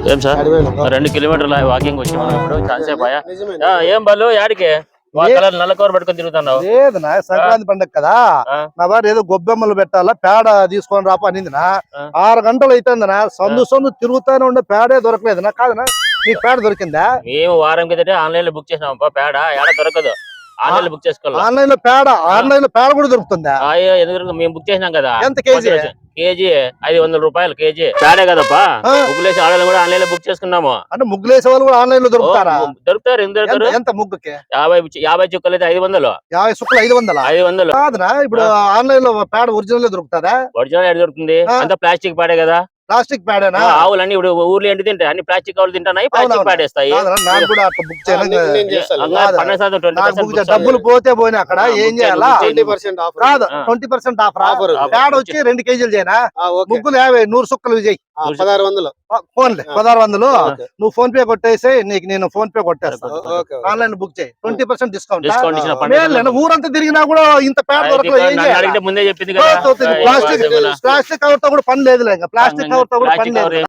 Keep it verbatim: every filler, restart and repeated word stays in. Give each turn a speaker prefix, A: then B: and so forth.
A: ఏం సార్ రెండు కిలోమీటర్ల వాకింగ్ వచ్చి మనం ఇప్పుడు చాలాసేపు అయ్యా ఏం బలు యాడికి నల్ల కూర పట్టుకొని తిరుగుతున్నావు?
B: లేదు నా సంక్రాంతి పండుగ కదా, నా భార్య ఏదో గొబ్బెమ్మలు పెట్టాలా పేడ తీసుకొని రాప అనిందినా. ఆరు గంటలు అయితుందినా, సందు సందు తిరుగుతానే ఉండే పేడే దొరకలేదు నా. కాదనా నీకు పేడ దొరికిందా?
A: మేము వారం కిందటే ఆన్లైన్ లో బుక్ చేసినాం పేడ, ఏడ దొరకదు. ఆన్లైన్ లో బుక్ చేసుకోవాలి.
B: ఆన్లైన్ లో పేడ ఆన్లైన్ లో పేడ కూడా దొరుకుతుందా?
A: ఎందుకు మేము బుక్ చేసినాం కదా.
B: ఎంత కేజీ?
A: కేజీ ఐదు వందల రూపాయలు కేజీ పేడే కదప్పా. ముగ్గులేసి ఆన్లైన్ కూడా ఆన్లైన్ లో బుక్ చేసుకున్నాము.
B: అంటే ముగ్గులేసే వాళ్ళు కూడా ఆన్లైన్ లో దొరుకుతారా?
A: దొరుకుతారు. ఎందుకు దొరుకుతారు?
B: ఎంత ముగ్గుకి?
A: యాభై యాభై చుక్కలు అయితే ఐదు వందలు.
B: యాభై చుక్కలు ఐదు వందలు
A: ఐదు వందలు
B: కాదునా. ఇప్పుడు ఆన్లైన్ లో పేడ ఒరిజినల్ దొరుకుతాదా?
A: ఒరిజినల్ ఎక్కడ దొరుకుతుంది? అంతా ప్లాస్టిక్ పేడే కదా.
B: ప్లాస్టిక్ పేడేనా?
A: ఆవులు అన్ని ఇప్పుడు ఊర్లో ఏంటి తింటాయి, అన్ని ప్లాస్టిక్ ఆవులు తింటున్నాయి, ప్లాస్టిక్ పేడేస్తాయి.
B: డబ్బులు పోతే పోయినా అక్కడ ఏం చేయాలా? కాదు ట్వంటీ పర్సెంట్ ఆఫర్. పేడ వచ్చి రెండు కేజీలు చేయనా, ముగ్గులు యాభై నూరు సుక్కలు విజయ్
C: పదహారు వందలు
B: ఫోన్లే పదహారు వందలు నువ్వు ఫోన్ పే కొట్టేసి నీకు నేను ఫోన్ పే కొట్టేస్తాను. ఆన్లైన్ బుక్ చేయి, ట్వంటీ పర్సెంట్ డిస్కౌంట్. ఊరంతా తిరిగినా కూడా ఇంత పేడ దొరకలేదు.
A: ముందే చెప్పింది
B: ప్లాస్టిక్ ప్లాస్టిక్ కవర్ తో కూడా పని లేదు. ప్లాస్టిక్ కవర్ తో కూడా పని లేదు.